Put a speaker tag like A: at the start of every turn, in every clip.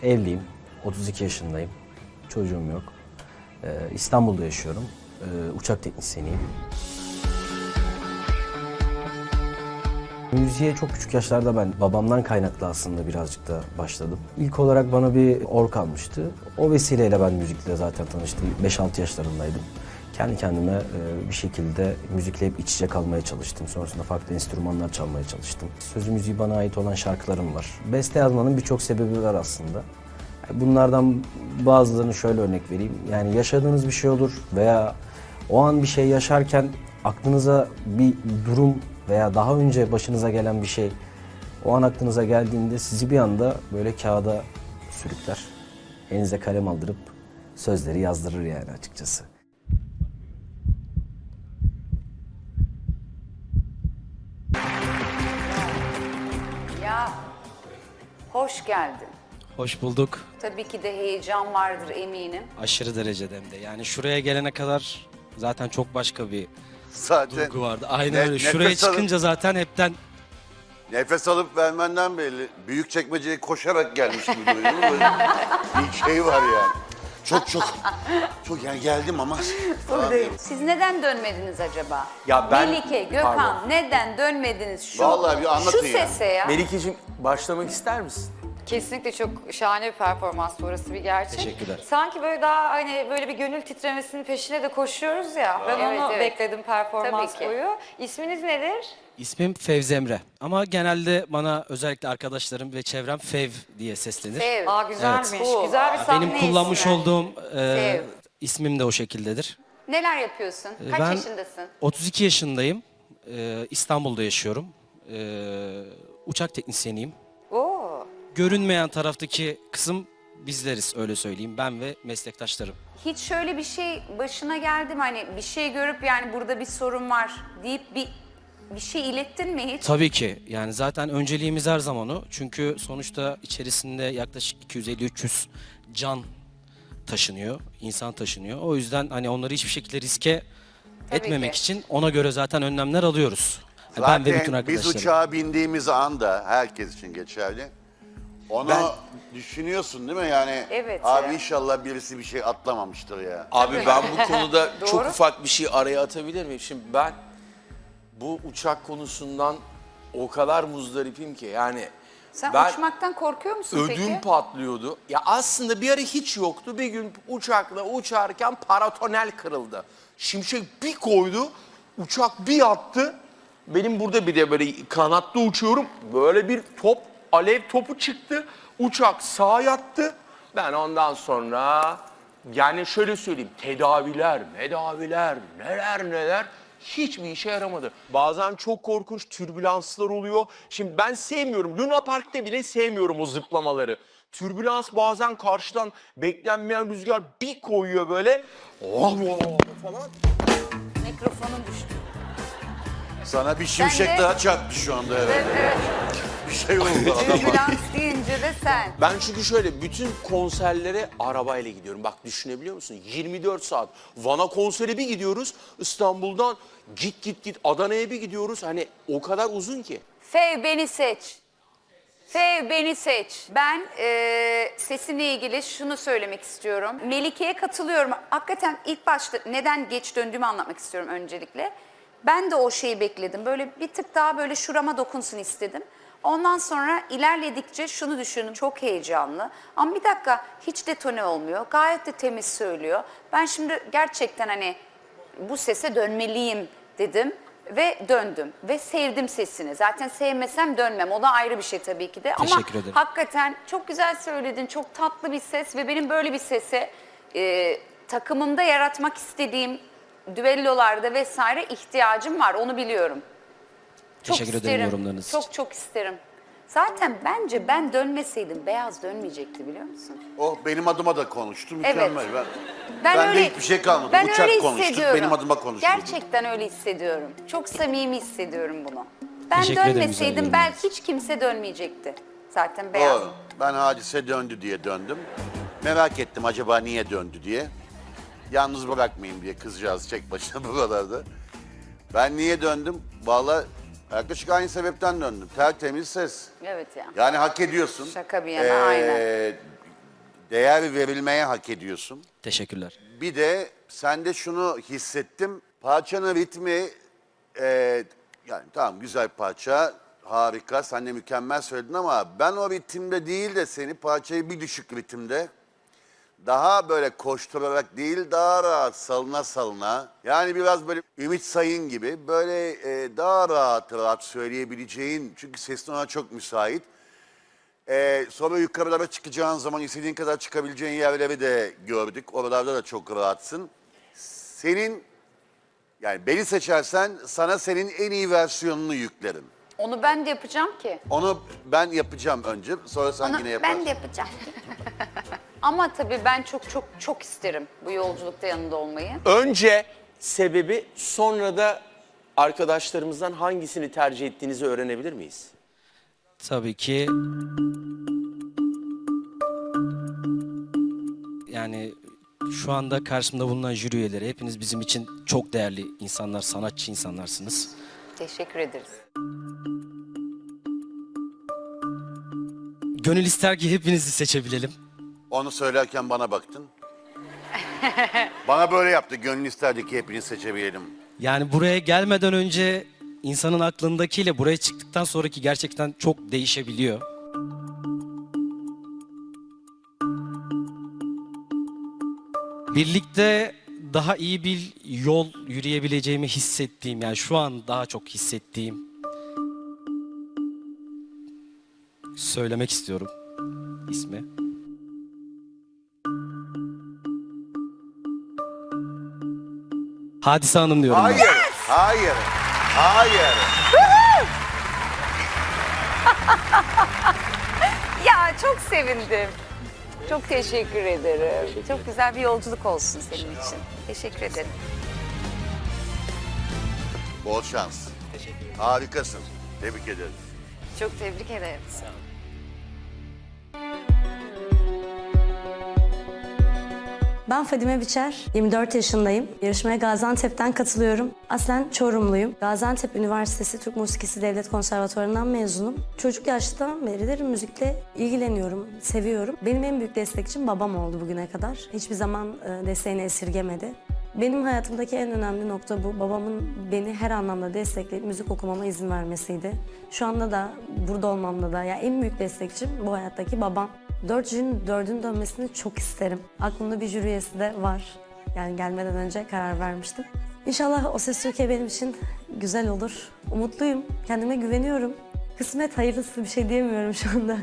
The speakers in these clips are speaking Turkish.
A: Evliyim, 32 yaşındayım, çocuğum yok. İstanbul'da yaşıyorum, uçak teknisyeniyim. Müziğe çok küçük yaşlarda ben babamdan kaynaklı aslında birazcık da başladım. İlk olarak bana bir org almıştı. O vesileyle ben müzikle zaten tanıştım. 5-6 yaşlarındaydım. Kendi kendime bir şekilde müzikle hep iç içe kalmaya çalıştım. Sonrasında farklı enstrümanlar çalmaya çalıştım. Sözü müziği bana ait olan şarkılarım var. Beste yazmanın birçok sebebi var aslında. Bunlardan bazılarını şöyle örnek vereyim. Yani yaşadığınız bir şey olur veya o an bir şey yaşarken aklınıza bir durum veya daha önce başınıza gelen bir şey o an aklınıza geldiğinde sizi bir anda böyle kağıda sürükler. Elinize kalem aldırıp sözleri yazdırır yani açıkçası.
B: Ya hoş geldin.
C: Hoş bulduk.
B: Tabii ki de heyecan vardır eminim.
C: Aşırı derecede hem de. Yani şuraya gelene kadar zaten çok başka bir
D: Zaten
C: duygu vardı. Aynen öyle.
D: nefes
C: Şuraya
D: alıp-
C: çıkınca zaten hepten
D: nefes alıp vermenden belli. Büyükçekmece'ye koşarak gelmiş gibi duruyor. Böyle bir şey var yani. Çok yani geldim ama.
B: Siz neden dönmediniz acaba?
E: Ya ben-
B: Melike, Gökhan
E: Pardon.
B: neden dönmediniz şu
D: Vallahi bir anlatın
B: şu
D: ya.
B: sese ya?
E: Melike'cim başlamak ister misin?
F: Kesinlikle çok şahane bir performans, orası bir gerçek.
C: Teşekkürler.
F: Sanki böyle daha hani böyle bir gönül titremesinin peşine de koşuyoruz ya. Ben
B: Evet,
F: onu
B: evet.
F: bekledim performans
B: Tabii ki.
F: boyu. İsminiz nedir?
C: ismim Fevzi Emre. Ama genelde bana özellikle arkadaşlarım ve çevrem Fev diye seslenir.
B: Ev.
F: Aa güzelmiş.
B: Evet.
F: Güzel bir sahne
C: Benim kullanmış
F: ismi.
C: olduğum
B: Fev.
C: ismim de o şekildedir.
B: Neler yapıyorsun? Kaç
C: ben
B: yaşındasın?
C: 32 yaşındayım. İstanbul'da yaşıyorum. Uçak teknisyeniyim.
F: Oo.
C: Görünmeyen taraftaki kısım bizleriz, öyle söyleyeyim. Ben ve meslektaşlarım.
B: Hiç şöyle bir şey başına geldi mi? Hani bir şey görüp yani burada bir sorun var deyip bir şey ilettin mi hiç?
C: Tabii ki. Yani zaten önceliğimiz her zaman o. Çünkü sonuçta içerisinde yaklaşık 250-300 can taşınıyor, insan taşınıyor. O yüzden hani onları hiçbir şekilde riske etmemek
B: ki.
C: için ona göre zaten önlemler alıyoruz. Yani ben ve bütün
D: Zaten biz
C: arkadaşlarım.
D: uçağa bindiğimiz anda herkes için geçerli. Onu düşünüyorsun değil mi yani?
B: Evet
D: Abi
B: ya.
D: inşallah birisi bir şey atlamamıştır ya.
E: Abi ben bu konuda çok
F: Doğru.
E: ufak bir şey araya atabilir miyim? Şimdi ben bu uçak konusundan o kadar muzdaripim ki yani
B: Sen
E: ben
B: uçmaktan korkuyor musun
E: ödüm
B: peki?
E: patlıyordu. Ya aslında bir ara hiç yoktu. Bir gün uçakla uçarken paratonel kırıldı. Şimşek bir koydu, uçak bir yattı. Benim burada bir de böyle kanatlı uçuyorum. Böyle bir top, alev topu çıktı. Uçak sağa yattı. Ben ondan sonra yani şöyle söyleyeyim, tedaviler, neler hiçbir işe yaramadı. Bazen çok korkunç türbülanslar oluyor. Şimdi ben sevmiyorum, Luna Park'ta bile sevmiyorum o zıplamaları. Türbülans bazen karşıdan beklenmeyen rüzgar bir koyuyor böyle. Falan.
B: Mikrofonun düştü.
D: Sana bir şimşek
B: Ben de-
D: daha çarptı şu anda evet.
B: Evet.
D: Bir şey oldu adama.
B: Ambulans deyince de sen.
E: Ben çünkü şöyle bütün konserlere arabayla gidiyorum. Bak düşünebiliyor musun? 24 saat. Van'a konsere bir gidiyoruz. İstanbul'dan git Adana'ya bir gidiyoruz. Hani o kadar uzun ki.
B: Fev beni seç. Fev beni seç. Ben sesinle ilgili şunu söylemek istiyorum. Melike'ye katılıyorum. Hakikaten ilk başta neden geç döndüğümü anlatmak istiyorum öncelikle. Ben de o şeyi bekledim. Böyle bir tık daha böyle şurama dokunsun istedim. Ondan sonra ilerledikçe şunu düşündüm. Çok heyecanlı. Ama bir dakika hiç detone olmuyor. Gayet de temiz söylüyor. Ben şimdi gerçekten hani bu sese dönmeliyim dedim ve döndüm ve sevdim sesini. Zaten sevmesem dönmem. O da ayrı bir şey tabii ki de. Ama
C: Teşekkür ederim.
B: hakikaten çok güzel söyledin. Çok tatlı bir ses ve benim böyle bir sese takımımda yaratmak istediğim düellolarda vesaire ihtiyacım var. Onu biliyorum. Çok
C: Teşekkür ederim
B: isterim.
C: yorumlarınız için.
B: Çok isterim. Zaten bence ben dönmeseydim Beyaz dönmeyecekti biliyor musun?
D: O benim adıma da konuştu mükemmel.
B: Evet.
D: Ben de hiçbir şey kalmadı.
B: Ben
D: Uçak
B: öyle
D: konuştuk,
B: hissediyorum.
D: benim adıma konuştu.
B: Gerçekten öyle hissediyorum. Çok samimi hissediyorum bunu. Ben
C: Teşekkür ederim güzel
B: dönmeseydim
C: yorumlarınız
B: belki hiç kimse dönmeyecekti. Zaten Beyaz.
D: Doğru. Ben Hadise döndü diye döndüm. Merak ettim acaba niye döndü diye. Yalnız bırakmayayım diye kızcağız tek başına buralarda. Ben niye döndüm? Vallahi yaklaşık aynı sebepten döndüm. Tertemiz ses.
B: Evet ya.
D: Yani hak ediyorsun.
B: Şaka bir yana, aynen.
D: Değer verilmeye hak ediyorsun.
C: Teşekkürler.
D: Bir de sende şunu hissettim. Parçanın ritmi yani tamam güzel parça, harika. Sen de mükemmel söyledin ama ben o ritimde değil de seni parçayı bir düşük ritimde daha böyle koşturarak değil daha rahat salına salına. Yani biraz böyle Ümit Sayın gibi böyle daha rahat söyleyebileceğin çünkü sesin ona çok müsait. Sonra yukarılara çıkacağın zaman istediğin kadar çıkabileceğin yerleri de gördük. Oralarda da çok rahatsın. Senin yani beni seçersen sana senin en iyi versiyonunu yüklerim.
B: Onu ben de yapacağım ki.
D: Onu ben yapacağım önce sonra sen
B: Onu
D: yine yaparsın.
B: ben de yapacağım. Ama tabii ben çok isterim bu yolculukta yanında olmayı.
E: Önce sebebi, sonra da arkadaşlarımızdan hangisini tercih ettiğinizi öğrenebilir miyiz?
C: Tabii ki yani şu anda karşımda bulunan jüri üyeleri hepiniz bizim için çok değerli insanlar, sanatçı insanlarsınız.
B: Teşekkür ederiz.
C: Gönül ister ki hepinizi seçebilelim.
D: Onu söylerken bana baktın. Bana böyle yaptı. Gönlün isterdi ki hepinizi seçebilelim.
C: Yani buraya gelmeden önce insanın aklındakiyle buraya çıktıktan sonraki gerçekten çok değişebiliyor. Birlikte daha iyi bir yol yürüyebileceğimi hissettiğim, yani şu an daha çok hissettiğim söylemek istiyorum ismi. Hadise Hanım diyorum ben.
D: Hayır.
B: Ya çok sevindim. Çok teşekkür ederim. Çok güzel bir yolculuk olsun senin için. Teşekkür ederim.
D: Bol şans. Harikasın. Tebrik ederiz.
F: Çok tebrik ederim.
G: Ben Fadime Biçer, 24 yaşındayım. Yarışmaya Gaziantep'ten katılıyorum. Aslen Çorumluyum. Gaziantep Üniversitesi Türk Musikisi Devlet Konservatuvarı'ndan mezunum. Çocuk yaştan beridir müzikle ilgileniyorum, seviyorum. Benim en büyük destekçim babam oldu bugüne kadar. Hiçbir zaman desteğini esirgemedi. Benim hayatımdaki en önemli nokta bu. Babamın beni her anlamda destekleyip müzik okumama izin vermesiydi. Şu anda da burada olmamda da ya en büyük destekçim bu hayattaki babam. 4 jürinin 4'ün dönmesini çok isterim. Aklımda bir jüri üyesi de var. Yani gelmeden önce karar vermiştim. İnşallah O Ses Türkiye benim için güzel olur. Umutluyum, kendime güveniyorum. Kısmet hayırlısı bir şey diyemiyorum şu anda.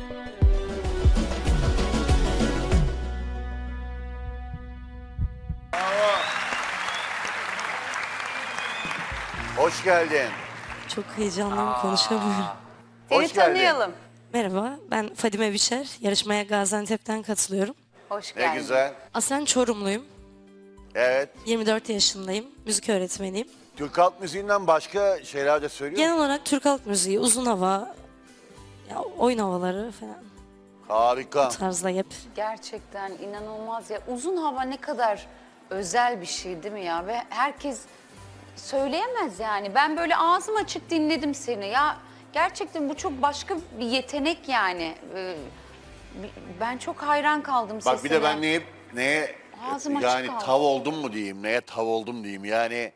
D: Hoş geldin.
G: Çok heyecanlıyım, konuşamıyorum.
B: Seni
D: Hoş geldin.
B: tanıyalım.
G: Merhaba, ben Fadime Biçer. Yarışmaya Gaziantep'ten katılıyorum.
B: Hoş
D: Ne
B: geldin.
D: güzel.
G: Aslen Çorumluyum.
D: Evet.
G: 24 yaşındayım. Müzik öğretmeniyim.
D: Türk halk müziğinden başka şeyler de söylüyor musun?
G: Genel olarak Türk halk müziği, uzun hava, ya oyun havaları falan
D: Harika.
G: tarzda hep.
B: Gerçekten inanılmaz ya. Uzun hava ne kadar özel bir şey değil mi ya? Ve herkes söyleyemez yani. Ben böyle ağzım açık dinledim seni. Ya gerçekten bu çok başka bir yetenek yani. Ben çok hayran kaldım sesine.
D: Bak bir de ben neye
B: Ağzım açık
D: yani
B: kaldı.
D: tav oldum mu diyeyim, neye tav oldum diyeyim. Yani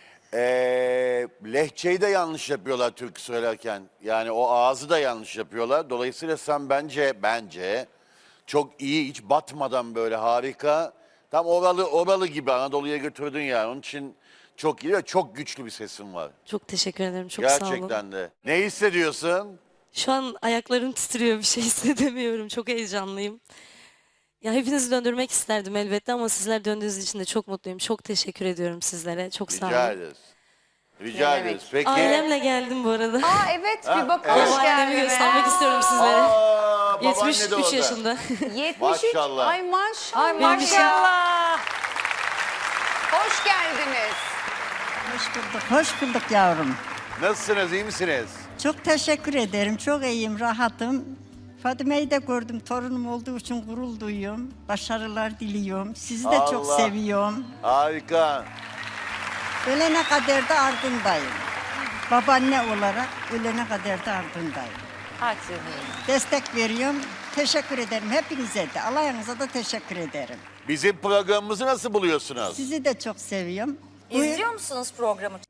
D: lehçeyi de yanlış yapıyorlar türkü söylerken. Yani o ağzı da yanlış yapıyorlar. Dolayısıyla sen bence çok iyi, hiç batmadan böyle harika. Tam oralı gibi Anadolu'ya götürdün yani. Onun için çok iyi ve çok güçlü bir sesin var.
G: Çok teşekkür ederim, çok sağ olun.
D: Gerçekten de. Ne hissediyorsun?
G: Şu an ayaklarım titriyor, bir şey hissedemiyorum. Çok heyecanlıyım. Ya hepinizi döndürmek isterdim elbette ama sizler döndüğünüz için de çok mutluyum. Çok teşekkür ediyorum sizlere. Çok sağ olun.
D: Rica ederiz. Rica
B: Ne demek?
D: ederiz. Peki.
G: Ailemle geldim bu arada.
B: Aa evet bir bakalım.
G: Babaannemi göstermek istiyorum sizlere.
D: Aa, babaanne de
G: 73
D: orada.
G: yaşında.
B: 73.
D: Maşallah.
B: Ay maşallah.
F: Ay maşallah.
B: Hoş geldiniz.
H: Hoş bulduk, hoş bulduk yavrum.
D: Nasılsınız, iyi misiniz?
H: Çok teşekkür ederim, çok iyiyim, rahatım. Fadime'yi de gördüm, torunum olduğu için gurur duyuyorum. Başarılar diliyorum, sizi de çok
D: Allah.
H: seviyorum.
D: Harika.
H: Ölene kadar da ardındayım. Babaanne olarak ölene kadar da ardındayım.
F: Hadi.
H: Destek veriyorum, teşekkür ederim. Hepinize de, Alayınıza da teşekkür ederim.
D: Bizim programımızı nasıl buluyorsunuz?
H: Sizi de çok seviyorum.
F: İzliyor musunuz programı